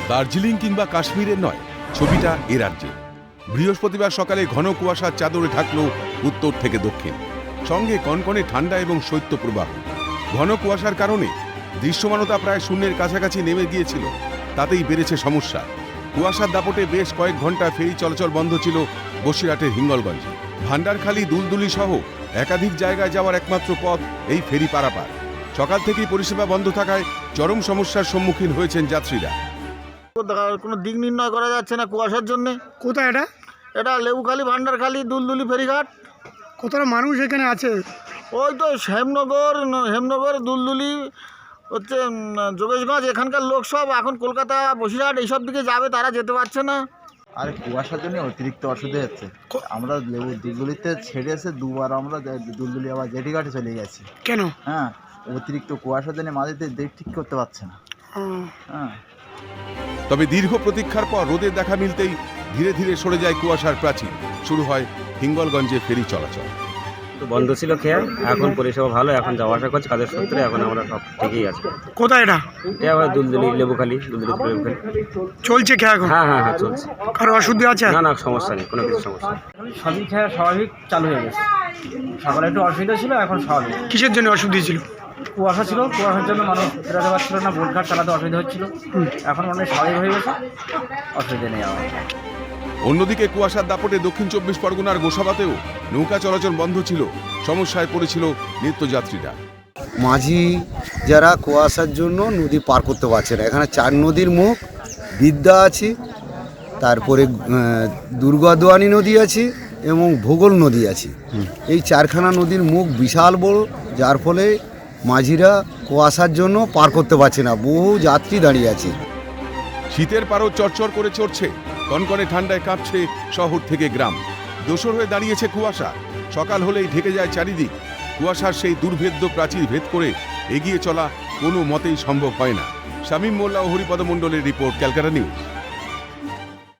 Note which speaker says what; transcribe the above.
Speaker 1: দার্জিলিং কিংবা কাশ্মীরের নয়, ছবিটা এ রাজ্যে। বৃহস্পতিবার সকালে ঘন কুয়াশার চাদরে ঢাকল উত্তর থেকে দক্ষিণ, সঙ্গে কনকনে ঠান্ডা এবং শৈত্যপ্রবাহ। ঘন কুয়াশার কারণে দৃশ্যমানতা প্রায় শূন্যের কাছাকাছি নেমে গিয়েছিল, তাতেই বেড়েছে সমস্যা। কুয়াশার দাপটে বেশ কয়েক ঘন্টা ফেরি চলাচল বন্ধ ছিল বসিরহাটের হিঙ্গলগঞ্জে। ভান্ডারখালী, দুলদুলি সহ একাধিক জায়গায় যাওয়ার একমাত্র পথ এই ফেরি পারাপার। সকাল থেকেই পরিষেবা বন্ধ থাকায় চরম সমস্যার সম্মুখীন হয়েছেন যাত্রীরা।
Speaker 2: কোনো দিক নির্ণয় করা যাচ্ছে না কুয়াশার জন্য।
Speaker 3: কোথায় এটা?
Speaker 2: এটা লেবুখালী, ভান্ডারখালী, দুলদুলি ফেরিঘাট।
Speaker 3: কতটা মানুষ এখানে আছে?
Speaker 2: ওই তো হেমনগর, দুলদুলি, হচ্ছে যোগেশগঞ্জ, এখানকার লোক সব এখন কলকাতা, বসিরহাট এইসব দিকে যাবে, তারা যেতে পারছে না।
Speaker 4: আর কুয়াশার জন্য অতিরিক্ত অসুবিধা হচ্ছে। আমরা দুলদুলিতে ছেড়ে এসে দুবার আমরা দুলদুলি আবার জেটিঘাটে চলে গেছি।
Speaker 3: কেন?
Speaker 4: হ্যাঁ, অতিরিক্ত কুয়াশার জন্য মাঝেতে দিক ঠিক করতে পারছে না। হ্যাঁ,
Speaker 1: তবে দীর্ঘ প্রতীক্ষার পর রোদের দেখা মিলতেই ধীরে ধীরে সরে যায় কুয়াশার প্রাচীর। শুরু হয় হিঙ্গলগঞ্জে ফেরি চলাচল।
Speaker 5: বন্ধ ছিল খেয়া, এখন পরিষেবা ভালো, এখন যাওয়া আসা করছে কাজের সূত্রে, এখন আমরা সব ঠিকই আছে।
Speaker 3: কোথায় এটা?
Speaker 5: এটা আবার দুলদুলি, লেবুখালী, দুলদুলি লেবুখালী
Speaker 3: চলছে খেয়া এখন?
Speaker 5: হ্যাঁ চলছে।
Speaker 3: কারো অসুবিধা আছে?
Speaker 5: না সমস্যা নেই, কোনো কিছু সমস্যা নেই।
Speaker 6: সবই খেয়ে স্বাভাবিক চালু হয়ে গেছে। সকালে একটু অসুবিধা ছিল, এখন স্বাভাবিক।
Speaker 3: কিসের জন্য অসুবিধা ছিল?
Speaker 6: কুয়াশা ছিল, কুয়াশার জন্য মানুষ বেরোতে পারছিল না, বোটঘাট চালাতে অসুবিধা হচ্ছিল। এখন অনেক স্বাভাবিক হয়ে গেছে, অসুবিধা নেই আমার।
Speaker 1: অন্যদিকে কুয়াশার দাপটে দক্ষিণ 24 পরগনার গোসাবাতেও নৌকা চলাচল বন্ধ ছিল। সমস্যায় পড়েছিল নিত্যযাত্রীরা।
Speaker 7: মাঝি যারা কুয়াশার জন্য নদী পার করতে পারছে না। এখানে 4 নদীর মুখ, বিদ্যা আছে, তারপরে দুর্গাদোয়ানি নদী আছে এবং ভূগোল নদী আছে। এই 4খানা নদীর মুখ বিশাল বড়, যার ফলে মাঝিরা কুয়াশার জন্য পার করতে পারছে না। বহু যাত্রী দাঁড়িয়ে আছে।
Speaker 1: শীতের পারও চরচর করে চড়ছে, কনকনে ঠান্ডায় কাঁপছে শহর থেকে গ্রাম। দোসর হয়ে দাঁড়িয়েছে কুয়াশা। সকাল হলেই ঢেকে যায় চারিদিক। কুয়াশার সেই দুর্ভেদ্য প্রাচীর ভেদ করে এগিয়ে চলা কোনো মতেই সম্ভব হয় না। শামীম মোল্লা ও হরিপদ মণ্ডলের রিপোর্ট, ক্যালকাটা নিউজ।